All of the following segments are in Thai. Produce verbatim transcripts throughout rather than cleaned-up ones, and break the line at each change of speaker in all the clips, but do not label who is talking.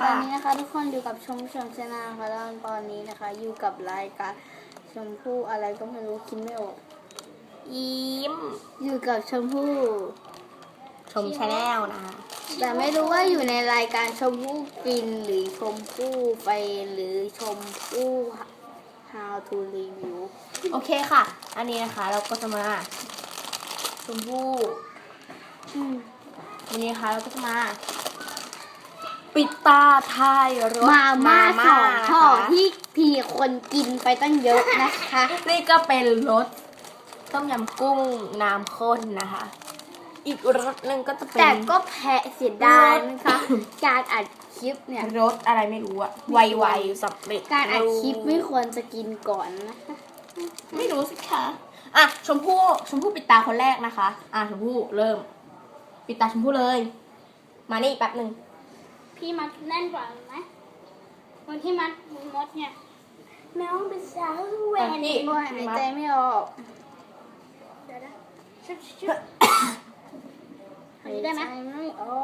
ตอนนี้นะคะทุกคนอยู่กับชมชมชนะค่ะแล้วตอนนี้นะคะอยู่กับรายการชมพู่อะไรก็ไม่รู้คิดไม่ออก
ยิ้ม
อยู่กับชมพู่
ชมชาแนลนะคะ
แต่ไม่รู้ว่าอยู่ในรายการชมพู่กินหรือชมพู่ไปหรือชมพู่ how to review
โอเคค่ะ อันนี้นะคะเราก็จะมาชมพู่
อืม
วันนี้นะคะเราก็จะมา ปิดตาทายรส
มาม่าสอง
นะคะ
ห่อที่พีคนกินไปตั้งเยอะนะคะ
นี่ก็เป็นรสต้มยำกุ้งน้ำข้นนะคะ อีกรสหนึ่งก็จะเป็น
แต่ก็แพ้เสียดายนะคะการอัดคลิปเนี่ย
รสอะไรไม่รู้อะไวๆสำเร็จ
การอัดคลิปไม่ควรจะกินก่อนนะคะ
ไม่รู้สิคะอ่ะชมพู่ชมพู่ปิดตาคนแรกนะคะอ่ะชมพู่เริ่ม ปิดตาชมพู่เลย มานี่แป๊บหนึ่ง
พี่มัดแน่นกว่าไหมวันที่มัดมดเนี่ยน้องเป็นสาวแหว
อ่ะ
น
พี่
โอ้ยหายใจไม่ออก
เดี๋ยวนะชุบชุบ
หายใจไม่ออก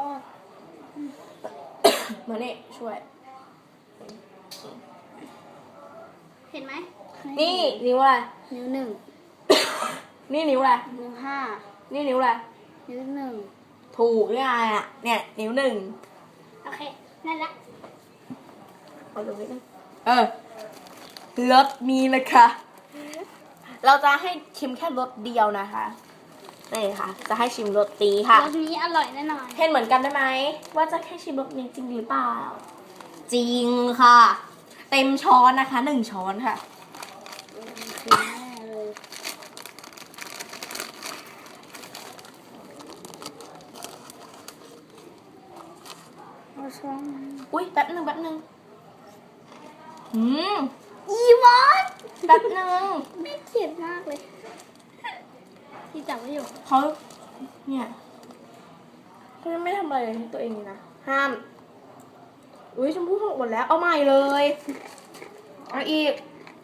มานี่ช่วย
เห็นไหม
นี่นิ้วอะไร
นิ้วหนึ่ง
นี่นิ้วอะไร
นิ้วห้า
นี่นิ้วอะไร
นิ้วหนึ่ง
ถูกนี่ไงอ่ะ เนี่ยนิ้วหนึ่ง
โอเคนั่นละ
เอาตรงนี้นะเออรสนี้นะคะ เราจะให้ชิมแค่รสเดียวนะคะนี่ค่ะ จะให้ชิมรสตีค่ะ
รสนี้อร่อยแน่นอน
เห็นเหมือนกันได้ไหมว่าจะแค่ชิมรสนี้จริงหรือเปล่า จริงค่ะ เต็มช้อนนะคะหนึ่งช้อนค่ะ
คือแน่เลยเอาช้อน
อุ้ยแป๊บหนึ่งแป๊บหนึ่งอืม
อีมอน
แป๊บหนึ่ง
ไม่เกลียดมากเลย
ที่จับไว้อยู่
เขาเนี่ยเขายังไม่ทำอะไรให้ตัวเองเลยนะ ห้าม อุ้ยชมพู่หกหมดแล้ว เอาใหม่เลย เอาอีก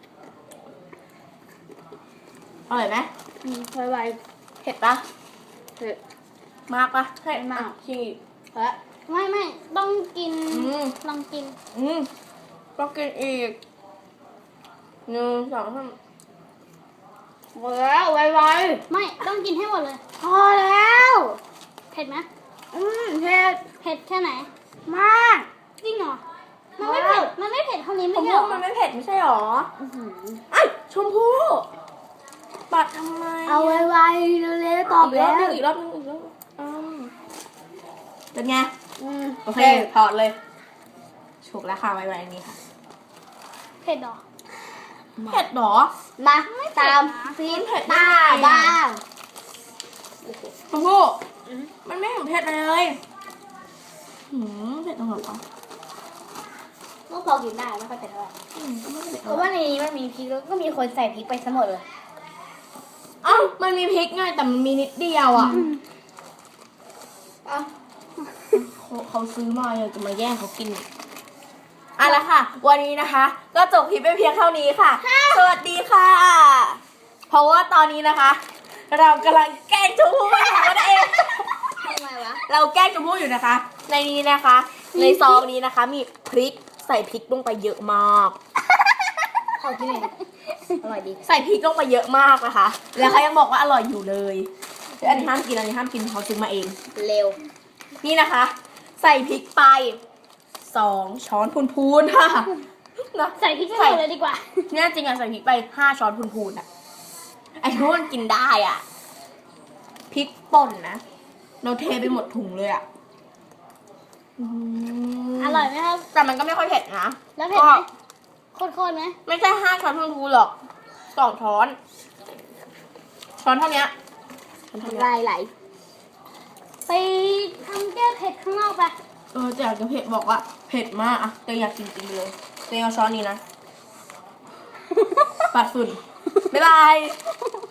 อร่อยไหม
อืมไว
เผ็ดปะ
ๆเผ็ด
มากปะให้
ไม่มาก
อ่ะชิมอีก
และ
ไม่ไม่ต้องกิน
อืม
ลองกิน
อืมต้องกินอีกหนึ่งสองสาม
หมดแล้วไว
ไม่ต้องกินให้หมดเลย
ๆพอแล้ว
เผ็ดไหม
อืมเผ็ด
เผ็ดแค่ไหน
มาก
จริงเหรอมันไม่เผ็ดมันไม่เผ็ดเท่านี้
ช
ไม่
ม
ใช่เหร
พู่
อ
มันไม่เผ็ดไม่ใช่หรอ
อื้อหือ
ไอ้ยชมพู่ปัดทำไม
เอาไวๆเร็วๆตอบ
อีกร
แล้
อบ
ว
นึงอีกรอบนึงอีกรอบนึงอืมเป็นไง
อืม
โอเคถอดเลยฉุกแล้วค่ะไว้ๆอันนี้ค่ะ
เผ็ดเหรอ
เผ็ดหรอ
มาตาม
ฟีนเผ็ด
ตา
ได้
บ้าง
ชมพู่มันไม่เห็นเผ็ดเลยหืมเผ็ดตรงไหนวะ
ก็พอกินได้ไม่ค่อยเผ็ดเท่าไหร่
อืมก็ไม่เผ็ด
เพราะว่าในนี้มันมีพริกแล้วก็มีคนใส่พริกไปซะหมดเลย
เอ้ามันมีพริกไงแต่มันมีนิดเดียวอ่ะ
เอ้า
เขาเขาซื้อมาอยากจะมาแย่งเขากินอ่ะละค่ะ วันนี้นะคะ ก็จบคลิปไปเพียงเท่านี้ค่ะ สวัสดีค่ะ เพราะว่าตอนนี้นะคะ เรากำลังแกล้งชมพู่อยู่นั่นเอง
ทำไมวะ
เราแกล้งชมพู่อยู่นะคะ ในนี้นะคะ ในซองนี้นะคะ มีพริกใส่พริกลงไปเยอะมาก
ขอกินหน่อยดิอร่อยดี
ใส่พริกลงไปเยอะมากนะคะ แล้วเขายังบอกว่าอร่อยอยู่เลยอันนี้ห้ามกินอันนี้ห้ามกินเขาซื้อมาเอง
เร็ว
นี่นะคะ ใส่พริกไปสองช้อนพูนๆค่ะนะ
ใส่พริกให้หมดเลยดีกว่า
เนี่ยจริงอะใส่พริกไปห้าช้อนพูนๆอะไอ้ทุกคนกินได้อะพริกป่นนะเราเทไปหมดถุงเลยอะอืม
อร่อยไหมครับ
แต่มันก็ไม่ค่อยเผ็ดนะ
แล้วเผ็ดไหม
ก็
โคตรๆไหม
ไม่ใช่ห้าช้อนพูนๆหรอกสองช้อน ช้อนเท่านี้ช้อนเท่านี้
ลายไหล
ไปทำแก้เผ็ดข้างนอกไป
เออแต่อยากจะเผ็ดบอกว่าเผ็ดมากอะแต่อยากกินจริงเลยแต่เอาช้อนนี้นะ ปัดฝุ่นบ๊ายบาย